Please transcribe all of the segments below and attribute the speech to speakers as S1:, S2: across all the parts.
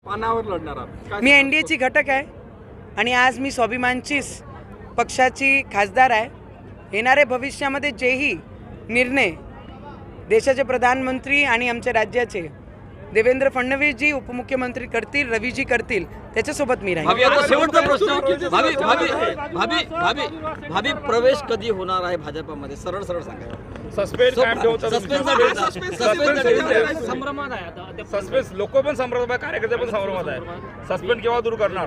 S1: पानावर लढणार आहात.
S2: मी एनडीएची घटक आहे आणि आज मी स्वाभिमानचीच पक्षाची खासदार आहे. येणाऱ्या भविष्यामध्ये जेही निर्णय देशाचे प्रधानमंत्री आणि आमच्या राज्याचे देवेंद्र फडणवीसजी उपमुख्यमंत्री करतील, रवीजी करतील, त्याच्यासोबत मी राहील.
S3: शेवटचा प्रश्न, भावी प्रवेश कधी होणार आहे भाजपमध्ये? सरळ सरळ सांगा.
S4: सस्पेन्स लोक पण संभ्रमात आहे, कार्यकर्ते पण संभ्रमात आहे. सस्पेन्स केव्हा दूर करणार?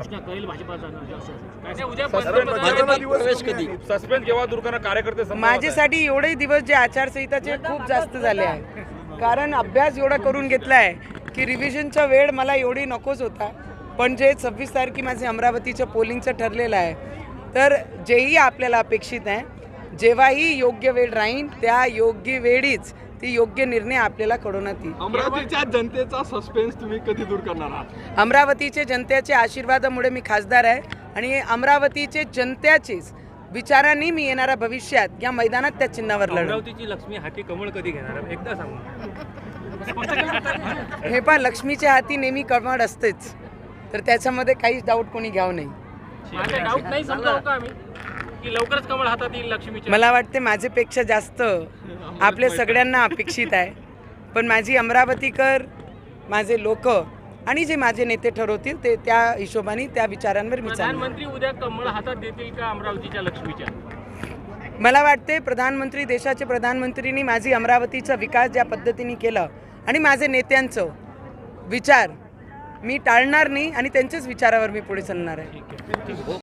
S3: प्रवेश कधी?
S4: सस्पेन्स केव्हा दूर करणार? कार्यकर्ते संभ्रमात आहे.
S2: माझ्यासाठी एवढे दिवस जे आचारसंहिताचे खूप जास्त झाले आहे, कारण अभ्यास एवढा करून घेतला आहे की रिव्हिजनचा वेळ मला एवढी नकोच होता. पण जे 26 तारखे माझे अमरावतीच्या पोलिंगचं ठरलेलं आहे, तर जेही आपल्याला अपेक्षित आहे, जेव्हाही योग्य वेळ राहील त्या योग्य वेळीच ती योग्य निर्णय आपल्याला कळवण्यात येईल.
S1: अमरावतीच्या जनतेचा सस्पेन्स तुम्ही कधी दूर करणार आहात?
S2: अमरावतीचे जनतेच्या आशीर्वादामुळे मी खासदार आहे आणि अमरावतीचे जनतेचेच विचारांनी मी येणाऱ्या भविष्यात या मैदानात त्या चिन्हावर लढणार.
S5: अमरावतीची लक्ष्मी हाती कमळ कधी घेणार एकदा सांगू.
S2: हे पण लक्ष्मीच्या हाती नेहमी कमळ असतेच, तर त्याच्यामध्ये काहीच डाऊट कोणी घ्यावं नाही.
S5: डाऊट नाही समजावं का आम्ही की लवकरच कमळ हातात येईल लक्ष्मीच्या?
S2: मला वाटते माझ्यापेक्षा जास्त आपल्या सगळ्यांना अपेक्षित आहे. पण माझी अमरावतीकर, माझे लोक आणि जे माझे नेते ठरवतील ते त्या हिशोबाने त्या विचारांवर मी चालणार.
S5: प्रधानमंत्री उद्या कमळ हातात देतील का अमरावतीच्या लक्ष्मीच्या?
S2: मला वाटते प्रधानमंत्री, देशाचे प्रधानमंत्रींनी माझी अमरावतीचा विकास ज्या पद्धतीने केला आणि माझे नेत्यांचं विचार मी टाळणार नाही आणि त्यांच्याच विचारावर मी पुढे चालणार आहे.